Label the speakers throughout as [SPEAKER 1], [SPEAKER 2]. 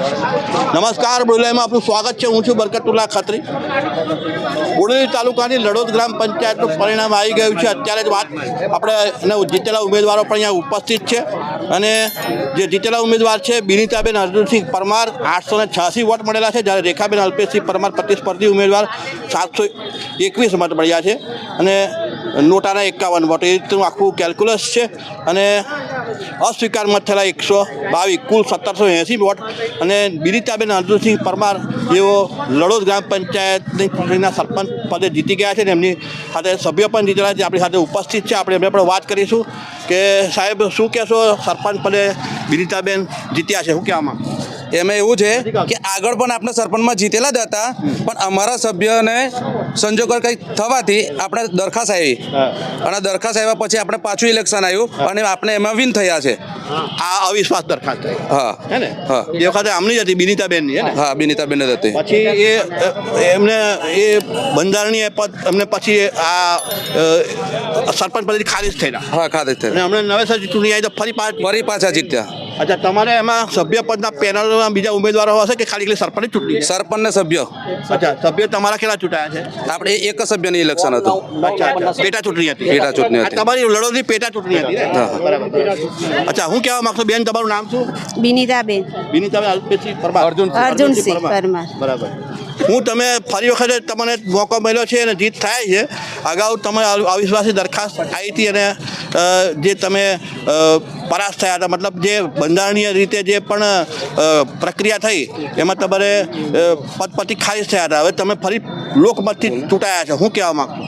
[SPEAKER 1] નમસ્કાર, બોલાઈમાં આપનું સ્વાગત છે. હું છું બરકતુલ્લા ખત્રી. બોડેલી તાલુકાની લડોદ ગ્રામ પંચાયતનું પરિણામ આવી ગયું છે. અત્યારે જ વાત આપણે જીતેલા ઉમેદવારો પણ અહીંયા ઉપસ્થિત છે અને જે જીતેલા ઉમેદવાર છે બિનીતાબેન અર્જુનસિંહ પરમાર 886 વોટ મળેલા છે, જ્યારે રેખાબેન અલ્પેશસિંહ પરમાર પ્રતિસ્પર્ધી ઉમેદવાર 721 મત મળ્યા છે અને નોટાના 51 વોટ. એ રીતનું આખું કેલ્ક્યુલસ છે અને અસ્વીકાર મત થયેલા 122, કુલ 1780 વોટ. અને બિનીતાબેન અર્જુનસિંહ પરમાર જેઓ લડોદ ગ્રામ પંચાયતની ચૂંટણીના સરપંચ પદે જીતી ગયા છે ને એમની સાથે સભ્ય પણ જીતેલા છે, આપણી સાથે ઉપસ્થિત છે. આપણે એમને પણ વાત કરીશું કે સાહેબ શું કહેશો, સરપંચ પદે બિનીતાબેન જીત્યા છે, શું કહેવામાં?
[SPEAKER 2] એમાં એવું છે કે આગળ પણ આપણે સરપંચમાં જીતેલા જ હતા, પણ અમારા સભ્યને સંજોગો કંઈક થવાથી આપણે દરખાસ્ત આવી અને દરખાસ્ત આવ્યા પછી આપણે પાછું ઇલેક્શન આવ્યું અને આપણે એમાં વિન થયા છે.
[SPEAKER 1] આ અવિશ્વાસ દરખાસ્ત થઈ,
[SPEAKER 2] હા
[SPEAKER 1] હે ને?
[SPEAKER 2] હા,
[SPEAKER 1] એ વખતે આમની જ હતી, બિનીતાબેનની, હે ને?
[SPEAKER 2] હા, બિનીતાબેન જ હતી.
[SPEAKER 1] પછી એમને એ બંધારણીય પદ એમને પછી આ સરપંચ પદેથી ખારીજ થયેલા.
[SPEAKER 2] હા, ખાતે
[SPEAKER 1] અને હમણાં નવેસર ચૂંટણી આવી તો ફરી
[SPEAKER 2] પાછા જીત્યા.
[SPEAKER 1] અચ્છા, તમારે એમાં સભ્ય પદના પેનલમાં બીજા ઉમેદવારો હશે કે ખાલી સરપંચ ચૂંટણી?
[SPEAKER 2] સરપંચ ને સભ્ય.
[SPEAKER 1] અચ્છા, સભ્ય તમારા કેટલા ચૂંટાયા છે?
[SPEAKER 2] આપણે એક જ સભ્યની ઇલેક્શન હતું.
[SPEAKER 1] અચ્છા, પેટા ચૂંટણી હતી.
[SPEAKER 2] પેટા ચૂંટણી હતી.
[SPEAKER 1] આ તમારી લડોદની પેટા ચૂંટણી હતી ને?
[SPEAKER 2] હા.
[SPEAKER 1] બરાબર. અચ્છા, હું કહેવા માંગતો બેન, તમારું નામ શું?
[SPEAKER 3] બિનીતાબેન
[SPEAKER 1] બિનીતાબેન અલ્પેશસિંહ પરમાર.
[SPEAKER 3] અર્જુનસિંહ પરમાર.
[SPEAKER 1] બરાબર. હું તમે ફરી વખતે તમને મોકો મળ્યો છે અને જીત થાય છે. અગાઉ તમે અવિશ્વાસી દરખાસ્ત આવી હતી અને જે તમે પરાસ્ત થયા હતા, મતલબ જે બંધારણીય રીતે જે પણ પ્રક્રિયા થઈ એમાં તમારે પદ પરથી ખારીજ થયા હતા. હવે તમે ફરી લોકમતથી ચૂંટાયા છો, શું કહેવા માંગશો?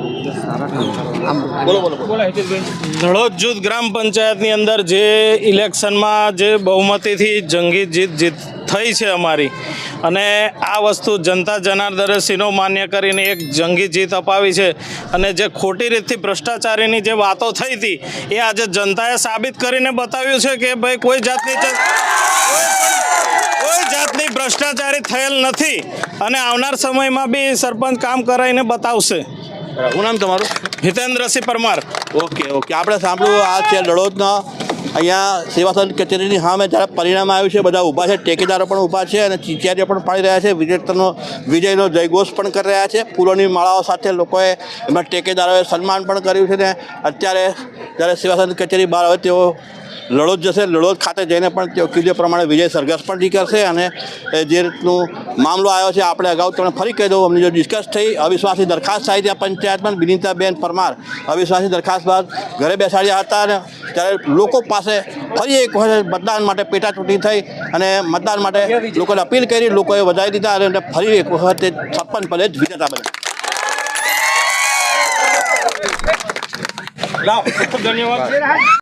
[SPEAKER 4] લડોદ જૂથ ગ્રામ પંચાયતની અંદર જે ઇલેક્શનમાં જે બહુમતીથી જંગી જીત થઈ છે અમારી, અને આ વસ્તુ જનતા જનાર્દનસિંહનો માન્ય કરીને એક જંગી જીત અપાવી છે. અને જે ખોટી રીતથી ભ્રષ્ટાચારીની જે વાતો થઈ હતી એ આજે જનતાએ સાબિત કરીને બતાવ્યું છે કે ભાઈ કોઈ જાતની ભ્રષ્ટાચારી થયેલ નથી અને આવનાર સમયમાં બી સરપંચ કામ કરાવીને બતાવશે.
[SPEAKER 1] શું નામ તમારું?
[SPEAKER 4] હિતેન્દ્રસિંહ પરમાર.
[SPEAKER 1] ઓકે. આપણે સાંભળ્યું, આ છે લડોદના અહીંયા સેવા સદન કચેરીની સામે જ્યારે પરિણામ આવ્યું છે, બધા ઊભા છે, ઠેકેદારો પણ ઊભા છે અને ચીચિયારીઓ પણ પાડી રહ્યા છે, વિજયનો જયઘોષ પણ કરી રહ્યા છે. ફૂલોની માળાઓ સાથે લોકોએ એમાં ઠેકેદારોએ સન્માન પણ કર્યું છે. ને અત્યારે જ્યારે સેવા સદન કચેરી બહાર આવે તેઓ લડોદ જશે. લડોદ ખાતે જઈને પણ તેઓ કીધું પ્રમાણે વિજય સરઘસ પણ કરશે અને જે રીતનું મામલો આવ્યો છે આપણે અગાઉ તમને ફરી કહી દઉં, અમને જો ડિસ્કસ થઈ, અવિશ્વાસની દરખાસ્ત આવી હતી આ પંચાયતમાં. બિનીતાબેન પરમાર અવિશ્વાસની દરખાસ્ત બાદ ઘરે બેસાડ્યા હતા અને ત્યારે લોકો પાસે ફરી એક વખત મતદાન માટે પેટા ચૂંટણી થઈ અને મતદાન માટે લોકોને અપીલ કરી, લોકોએ વધારી દીધા અને ફરી એક વખત સરપંચ પદે જ વિજેતા બન્યા.
[SPEAKER 4] ધન્યવાદ.